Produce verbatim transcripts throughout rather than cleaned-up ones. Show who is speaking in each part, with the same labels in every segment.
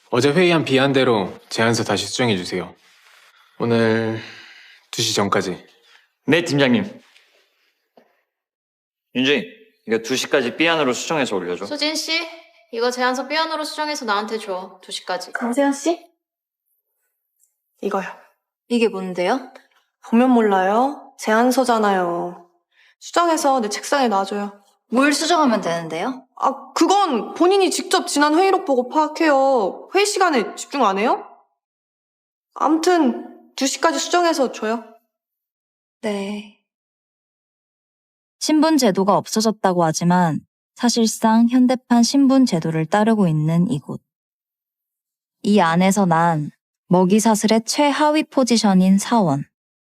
Speaker 1: 어제 회의한 비안대로 제안서 다시 수정해주세요. 오늘 두 시 전까지.
Speaker 2: 네, 팀장님. 윤주인, 이거 두 시까지 삐안으로 수정해서 올려줘.
Speaker 3: 수진 씨, 이거 제안서 삐안으로 수정해서 나한테 줘. 두 시까지.
Speaker 4: 강세현 씨? 이거요.
Speaker 3: 이게 뭔데요?
Speaker 4: 보면 몰라요? 제안서잖아요. 수정해서 내 책상에 놔줘요.
Speaker 3: 뭘 수정하면 되는데요?
Speaker 4: 아, 그건 본인이 직접 지난 회의록 보고 파악해요. 회의 시간에 집중 안 해요? 암튼 두 시까지 수정해서 줘요.
Speaker 3: 네.
Speaker 5: 신분 제도가 없어졌다고 하지만 사실상 현대판 신분 제도를 따르고 있는 이곳. 이 안에서 난 먹이사슬의 최하위 포지션인 사원.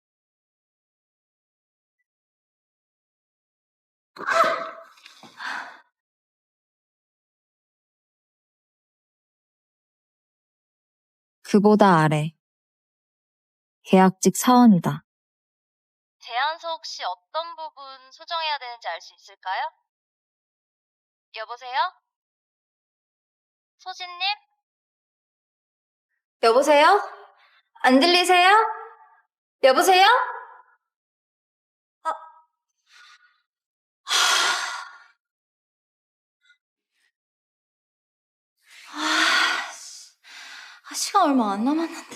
Speaker 5: 그보다 아래. 계약직 사원이다. 제안서 혹시 어떤 부분 수정해야 되는지 알 수 있을까요? 여보세요? 소진님?
Speaker 3: 여보세요? 안 들리세요? 여보세요? 아. 아, 아, 시간 얼마 안 남았는데.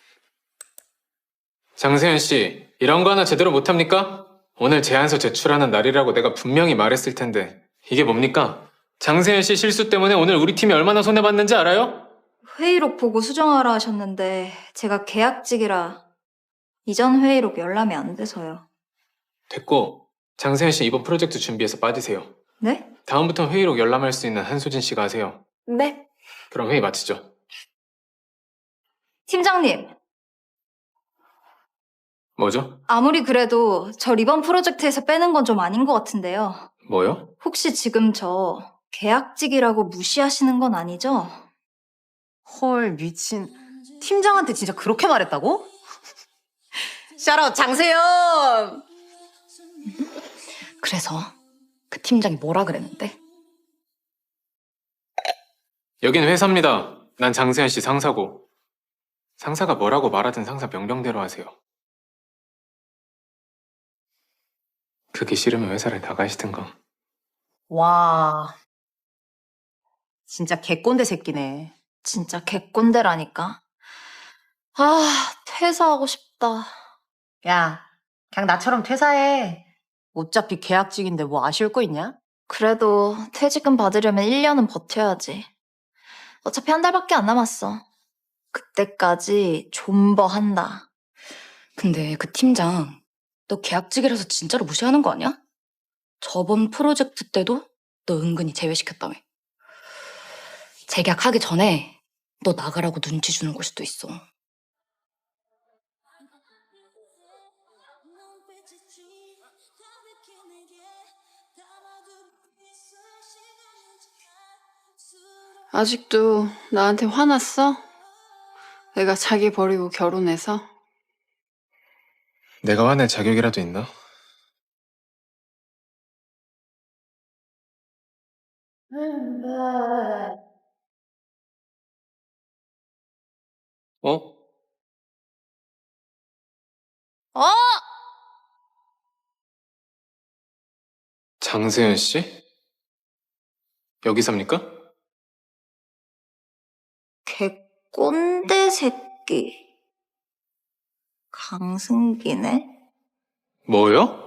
Speaker 1: 장세현 씨, 이런 거 하나 제대로 못합니까? 오늘 제안서 제출하는 날이라고 내가 분명히 말했을 텐데 이게 뭡니까? 장세현 씨 실수 때문에 오늘 우리 팀이 얼마나 손해봤는지 알아요?
Speaker 3: 회의록 보고 수정하라 하셨는데 제가 계약직이라 이전 회의록 열람이 안 돼서요.
Speaker 1: 됐고, 장세현 씨 이번 프로젝트 준비해서 빠지세요.
Speaker 3: 네?
Speaker 1: 다음부터 회의록 열람할 수 있는 한소진 씨가 하세요.
Speaker 4: 네.
Speaker 1: 그럼 회의 마치죠.
Speaker 3: 팀장님,
Speaker 1: 뭐죠?
Speaker 3: 아무리 그래도 저 이번 프로젝트에서 빼는 건 좀 아닌 것 같은데요.
Speaker 1: 뭐요?
Speaker 3: 혹시 지금 저 계약직이라고 무시하시는 건 아니죠?
Speaker 6: 헐, 미친. 팀장한테 진짜 그렇게 말했다고? 샤라웃 장세현! 그래서 그 팀장이 뭐라 그랬는데?
Speaker 1: 여긴 회사입니다. 난 장세현 씨 상사고. 상사가 뭐라고 말하든 상사 명령대로 하세요. 그게 싫으면 회사를 나가시든가.
Speaker 6: 와, 진짜 개꼰대 새끼네.
Speaker 3: 진짜 개꼰대라니까. 아, 퇴사하고 싶다.
Speaker 6: 야, 그냥 나처럼 퇴사해. 어차피 계약직인데 뭐 아쉬울 거 있냐?
Speaker 3: 그래도 퇴직금 받으려면 일 년은 버텨야지. 어차피 한 달밖에 안 남았어. 그때까지 존버한다.
Speaker 7: 근데 그 팀장, 너 계약직이라서 진짜로 무시하는 거 아니야? 저번 프로젝트 때도 너 은근히 제외시켰다며. 재계약하기 전에 너 나가라고 눈치 주는 걸 수도 있어.
Speaker 8: 아직도 나한테 화났어? 내가 자기 버리고 결혼해서?
Speaker 1: 내가 화낼 자격이라도 있나? 어?
Speaker 3: 어!
Speaker 1: 장세현 씨? 여기 삽니까?
Speaker 3: 개꼰대 새끼. 강승기네?
Speaker 1: 뭐요?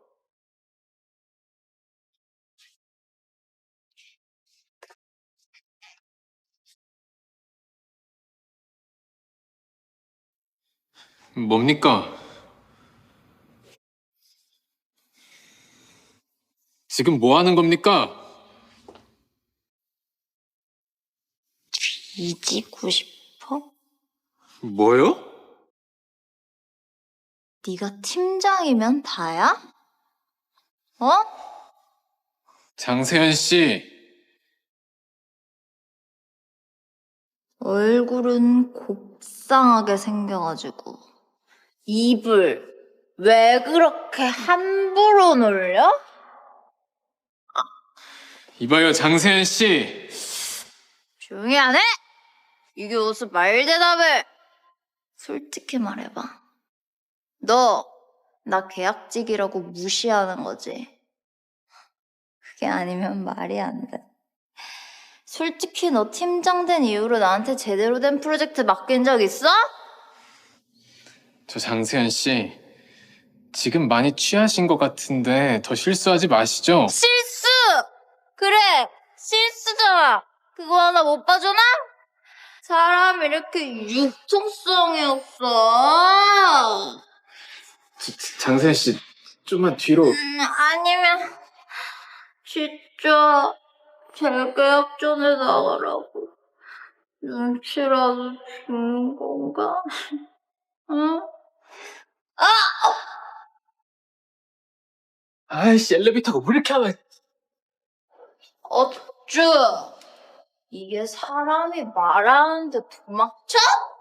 Speaker 1: 뭡니까? 지금 뭐 하는 겁니까?
Speaker 3: 이지고 싶어?
Speaker 1: 뭐요?
Speaker 3: 네가 팀장이면 다야? 어?
Speaker 1: 장세현 씨,
Speaker 3: 얼굴은 곱상하게 생겨가지고 입을 왜 그렇게 함부로 놀려?
Speaker 1: 이봐요 장세현 씨.
Speaker 3: 조용히 안 해? 이게 무슨 말 대답을? 솔직히 말해봐. 너, 나 계약직이라고 무시하는 거지? 그게 아니면 말이 안 돼. 솔직히 너 팀장 된 이후로 나한테 제대로 된 프로젝트 맡긴 적 있어?
Speaker 1: 저 장세현 씨, 지금 많이 취하신 것 같은데 더 실수하지 마시죠.
Speaker 3: 실수! 그래, 실수잖아. 그거 하나 못 봐주나? 사람 이렇게 융통성이 없어.
Speaker 1: 장세현 씨, 좀만 뒤로.
Speaker 3: 음, 아니면 진짜 재계약 전에 나가라고 눈치라도 주는 건가? 응?
Speaker 1: 아이씨, 엘리베이터가 왜 이렇게 하면.
Speaker 3: 어쭈? 이게 사람이 말하는데 도망쳐?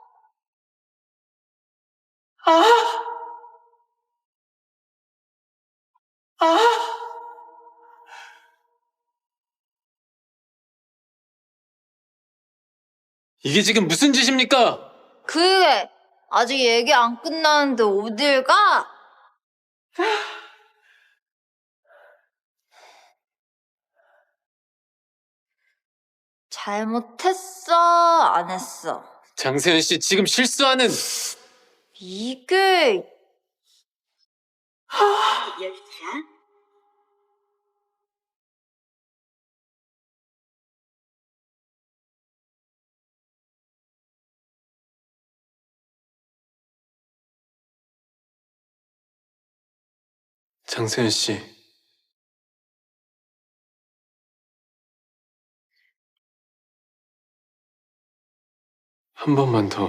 Speaker 1: 이게 지금 무슨 짓입니까?
Speaker 3: 그게 아직 얘기 안 끝났는데 어딜 가? 잘못했어? 안 했어?
Speaker 1: 장세현 씨, 지금 실수하는.
Speaker 3: 이게
Speaker 1: 장세현 씨. 한 번만 더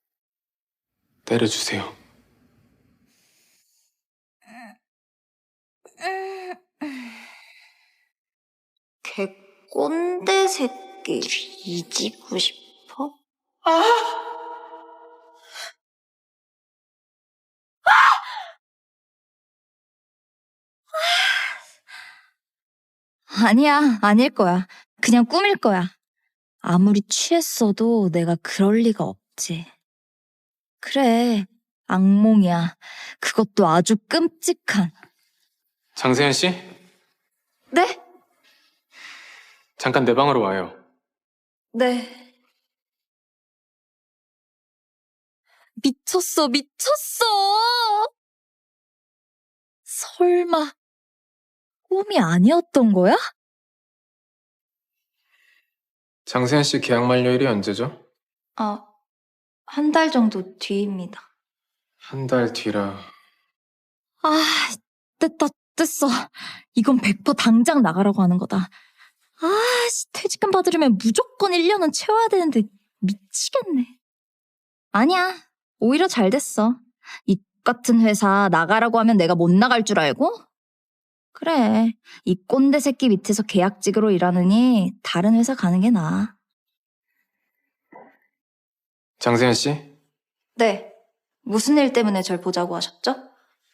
Speaker 1: 때려주세요.
Speaker 3: 개꼰대 새끼 뒤지고 싶어?
Speaker 5: 아니야, 아닐 거야. 그냥 꿈일 거야. 아무리 취했어도 내가 그럴 리가 없지. 그래, 악몽이야. 그것도 아주 끔찍한.
Speaker 1: 장세현 씨,
Speaker 3: 네?
Speaker 1: 잠깐 내 방으로 와요.
Speaker 3: 네.
Speaker 5: 미쳤어, 미쳤어! 설마, 꿈이 아니었던 거야?
Speaker 1: 장세현 씨 계약 만료일이 언제죠?
Speaker 3: 아, 한 달 정도 뒤입니다.
Speaker 1: 한 달 뒤라.
Speaker 5: 아, 됐다, 됐어. 이건 백 퍼센트 당장 나가라고 하는 거다. 아, 씨, 퇴직금 받으려면 무조건 일 년은 채워야 되는데 미치겠네. 아니야, 오히려 잘 됐어. 이 같은 회사 나가라고 하면 내가 못 나갈 줄 알고? 그래, 이 꼰대 새끼 밑에서 계약직으로 일하느니 다른 회사 가는 게 나아.
Speaker 1: 장세현 씨,
Speaker 3: 네. 무슨 일 때문에 절 보자고 하셨죠?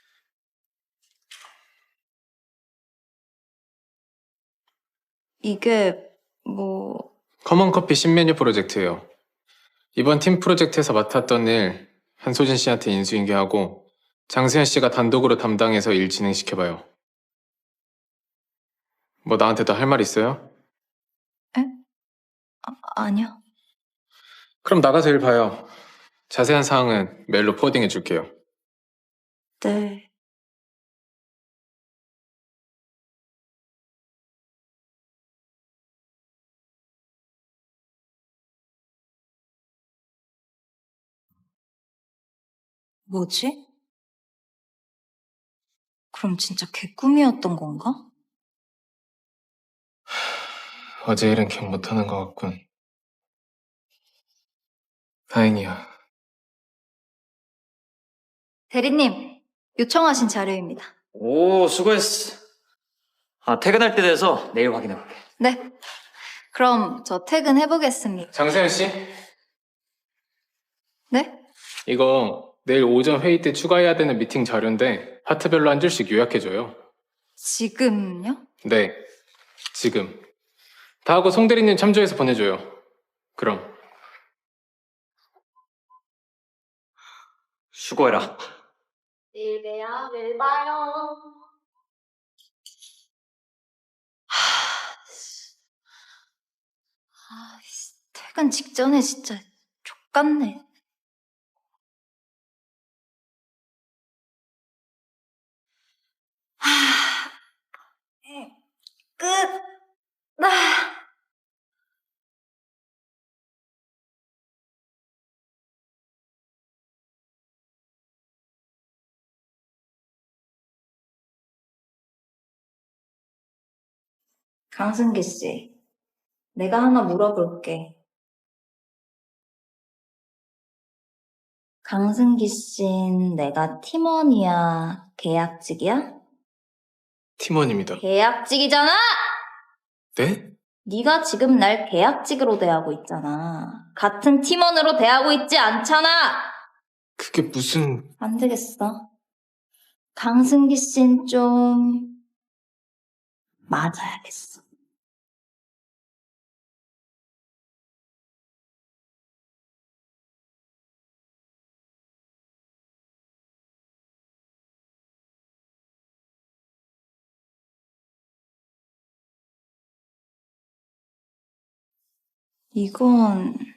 Speaker 3: 이게 뭐...
Speaker 1: 커먼커피 신메뉴 프로젝트예요. 이번 팀 프로젝트에서 맡았던 일 한소진 씨한테 인수인계하고 장세현 씨가 단독으로 담당해서 일 진행시켜봐요. 뭐 나한테 더 할 말 있어요?
Speaker 3: 아, 아니요.
Speaker 1: 그럼 나가서 일 봐요. 자세한 사항은 메일로 포워딩해 줄게요.
Speaker 3: 네. 뭐지? 그럼 진짜 개꿈이었던 건가?
Speaker 1: 어제 일은 기억 못하는 것 같군. 다행이야.
Speaker 3: 대리님, 요청하신 자료입니다.
Speaker 2: 오, 수고했어. 아, 퇴근할 때 돼서 내일 확인해볼게.
Speaker 3: 네. 그럼 저 퇴근해보겠습니다.
Speaker 1: 장세현 씨,
Speaker 3: 네?
Speaker 1: 이거 내일 오전 회의 때 추가해야 되는 미팅 자료인데 파트별로 한 줄씩 요약해줘요.
Speaker 3: 지금요?
Speaker 1: 네, 지금. 다 하고 송 대리님 참조해서 보내줘요. 그럼.
Speaker 2: 수고해라.
Speaker 3: 내일 봬요. 내일 봐요. 아, 씨, 퇴근 직전에 진짜 족같네. 하, 음, 끝. 아. 강승기 씨, 내가 하나 물어볼게. 강승기 씨는 내가 팀원이야, 계약직이야?
Speaker 1: 팀원입니다.
Speaker 3: 계약직이잖아!
Speaker 1: 네?
Speaker 3: 네가 지금 날 계약직으로 대하고 있잖아. 같은 팀원으로 대하고 있지 않잖아!
Speaker 1: 그게 무슨...
Speaker 3: 안 되겠어. 강승기 씨는 좀 맞아야겠어. 이건